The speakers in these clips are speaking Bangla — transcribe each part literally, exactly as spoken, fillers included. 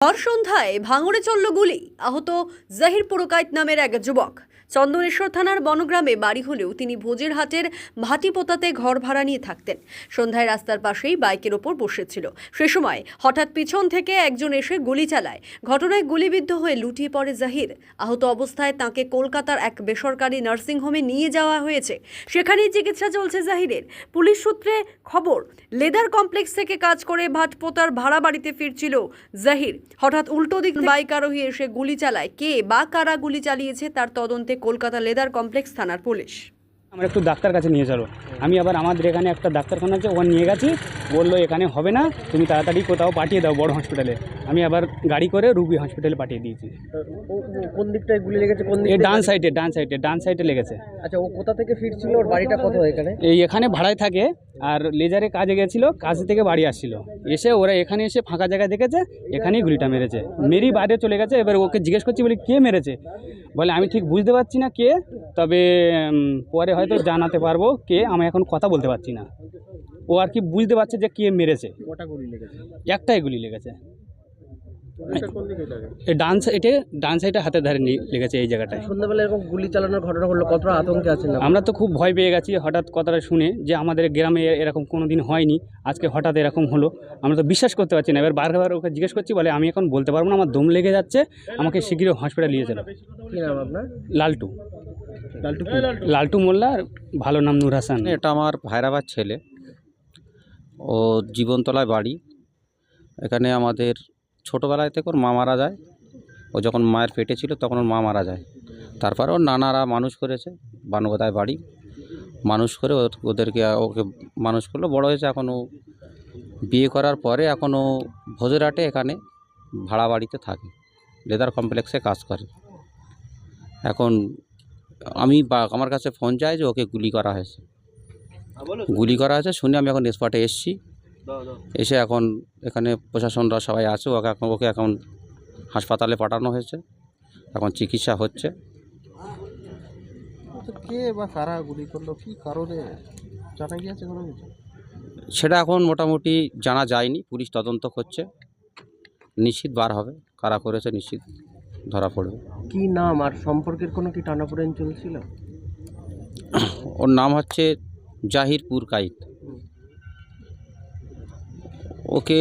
ভর সন্ধ্যায় ভাঙড়ে চলল গুলি, আহত জাহির পুরকাইত নামের এক যুবক। চন্দনেশ্বর থানার বনগ্রামে বাড়ি হলেও তিনি ভোজের হাটের ভাটিপোতাতে ঘর ভাড়া নিয়ে থাকতেন। সন্ধ্যায় রাস্তার পাশেই বাইকের ওপর বসেছিল। সে সময় হঠাৎ পিছন থেকে একজন এসে গুলি চালায়। ঘটনায় গুলিবিদ্ধ হয়ে লুটিয়ে পড়ে জাহির। আহত অবস্থায় তাঁকে কলকাতার এক বেসরকারি নার্সিংহোমে নিয়ে যাওয়া হয়েছে। সেখানেই চিকিৎসা চলছে জাহিরের। পুলিশ সূত্রে খবর, লেদার কমপ্লেক্স থেকে কাজ করে ভাটপোতার ভাড়া বাড়িতে ফিরছিল জাহির। হঠাৎ উল্টো দিক বাইক আরোহী এসে গুলি চালায়। কে বা কারা গুলি চালিয়েছে তার তদন্তে কলকাতা লেদার কমপ্লেক্স থানার পুলিশ। আমরা একটু ডাক্তার কাছে নিয়ে চলো। আমি আবার আমাদের এখানে একটা ডাক্তারখানা আছে, ওখানে নিয়ে গেছি। বললো এখানে হবে না, তুমি তাড়াতাড়ি কোথাও পাঠিয়ে দাও বড় হসপিটালে। আমি আবার গাড়ি করে রুবি হসপিটালে পাঠিয়ে দিয়েছি। কোন দিকটায় গুলি লেগেছে? কোন দিকে? এই ডান সাইডে ডান সাইডে ডান সাইডে লেগেছে। আচ্ছা, ও কোথা থেকে ফিরছিল? ওর বাড়িটা কোথায়? এখানে এই এখানে ভাড়ায় থাকে, আর লেজারে কাজে গেছিল, কাজ থেকে বাড়ি আসছিল। এসে ওরা এখানে এসে ফাঁকা জায়গায় দেখেছে, এখানেই গুলিটা মেরেছে। মেরি বাইরে চলে গেছে। এবার ওকে জিজ্ঞেস করছি, বলি কে মেরেছে? বলে আমি ঠিক বুঝতে পারছি না কে, তবে পরে হয়তো জানাতে পারবো কে। আমি এখন কথা বলতে পারছি না। ও আর কি বুঝতে পারছে যে কে মেরেছে। কটা গুলি লেগেছে? একটাই গুলি লেগেছে। এই ডান সাইডে ডান সাইডে হাতের ধারে লেগেছে, এই জায়গাটায়। সন্ধ্যাবেলা এরকম গুলি চালানোর ঘটনা হলো, কতটা আতঙ্কে আছেন? আমরা তো খুব ভয় পেয়ে গেছি হঠাৎ কথাটা শুনে, যে আমাদের গ্রামে এরকম কোনো দিন হয়নি, আজকে হঠাৎ এরকম হলো। আমরা তো বিশ্বাস করতে পারছি না। এবার বারবার ওকে জিজ্ঞেস করছি, বলে আমি এখন বলতে পারবো না, আমার দম লেগে যাচ্ছে, আমাকে শীঘ্রই হসপিটালে নিয়ে চলো। কী নাম আপনার? লালটু লালটু লালটু মোল্লা, আর ভালো নাম নূর হাসান। এটা আমার ভাইরাবার ছেলে, ও জীবনতলায় বাড়ি। এখানে আমাদের ছোটোবেলায় থেকে ওর মা মারা যায়। ও যখন মায়ের পেটে ছিল তখন ওর মা মারা যায়। তারপর ওর নানারা মানুষ করেছে, বানুগদায় বাড়ি মানুষ করে ওদেরকে ওকে মানুষ করলো, বড় হয়েছে। এখন ও বিয়ে করার পরে এখন ও ভোজেরহাটে এখানে ভাড়া বাড়িতে থাকে, লেদার কমপ্লেক্সে কাজ করে। এখন আমি বা আমার কাছে ফোন চাই যে ওকে গুলি করা হয়েছে। গুলি করা হয়েছে শুনে আমি এখন স্পটে এসেছি। এসে এখন এখানে প্রশাসনরা সবাই আছে। ওকে এখন ওকে এখন হাসপাতালে পাঠানো হয়েছে, এখন চিকিৎসা হচ্ছে। কে বা কারা গুলি করলো, কি কারণে জানা গিয়েছে কোনো কিছু? সেটা এখন মোটামুটি জানা যায়নি, পুলিশ তদন্ত করছে, নিশ্চিত বার হবে কারা করেছে, নিশ্চিত ধরা পড়বে। কি নাম আর সম্পর্কের কোনো কি টানাপোড়েন চলছিল? ওর নাম হচ্ছে জাহির পুরকাইত। ওকে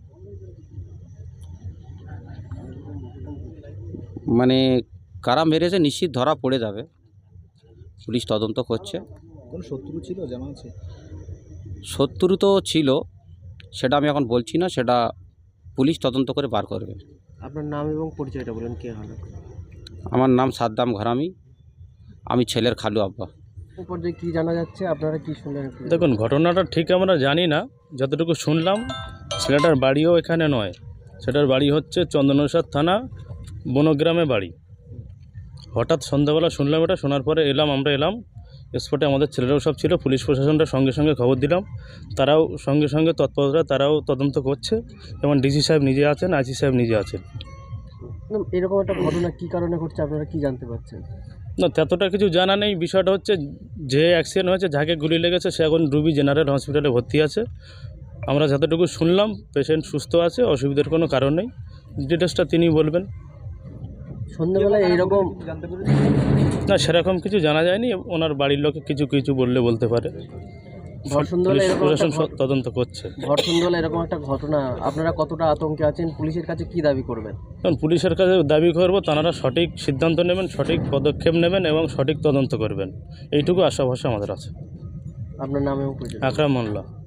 মানে কারা মেরেছে নিশ্চিত ধরা পড়ে যাবে, পুলিশ তদন্ত করছে। কোন শত্রু ছিল জানা আছে? শত্রু তো ছিল, সেটা আমি এখন বলছি না, সেটা পুলিশ তদন্ত করে বার করবে। আপনার নাম এবং পরিচয়টা বলেন, কে হলো? আমার নাম সাদ্দাম ঘরামি, আমি ছেলের খালু আব্বা। উপর দিয়ে কী জানা যাচ্ছে, আপনারা কি শুনলেন? দেখুন, ঘটনাটা ঠিক আমরা জানি না, যতটুকু শুনলাম ছেলেটার বাড়িও এখানে নয়, সেটার বাড়ি হচ্ছে চন্দনেশ্বর থানা বনগ্রামে বাড়ি। হঠাৎ সন্ধ্যাবেলা শুনলাম এটা, শোনার পরে এলাম, আমরা এলাম স্পটে, আমাদের ছেলেরাও সব ছিল, পুলিশ প্রশাসনটা সঙ্গে সঙ্গে খবর দিলাম, তারাও সঙ্গে সঙ্গে তৎপরতা, তারাও তদন্ত করছে। যেমন ডিসি সাহেব নিজে আছেন, আইসি সাহেব নিজে আছেন। এরকম একটা ঘটনা কী কারণে ঘটছে আপনারা কি জানতে পারছেন? না, ততটা কিছু জানা নেই। বিষয়টা হচ্ছে যে অ্যাক্সিডেন্ট হয়েছে, যাকে গুলি লেগেছে, সে এখন রুবি জেনারেল হসপিটালে ভর্তি আছে। আমরা যতটুকু শুনলাম পেশেন্ট সুস্থ আছে, অসুবিধার কোনো কারণ নেই। ডিটেলসটা তিনি বলবেন। সন্ধ্যাবেলায় এইরকম না, সেরকম কিছু জানা যায়নি। ওনার বাড়ির লোকে কিছু কিছু বললে বলতে পারে। ভর সন্ধ্যাবেলায় এরকম প্রশাসন তদন্ত করছে। ভর সন্ধ্যাবেলায় এরকম একটা ঘটনা, আপনারা কতটা আতঙ্কে আছেন? পুলিশের কাছে কি দাবি করবেন? কারণ পুলিশের কাছে দাবি করবো তারা সঠিক সিদ্ধান্ত নেবেন, সঠিক পদক্ষেপ নেবেন এবং সঠিক তদন্ত করবেন, এইটুকু আশাভাষা আমাদের আছে। আপনার নাম এবং পরিচয়? আকরাম মোল্লা।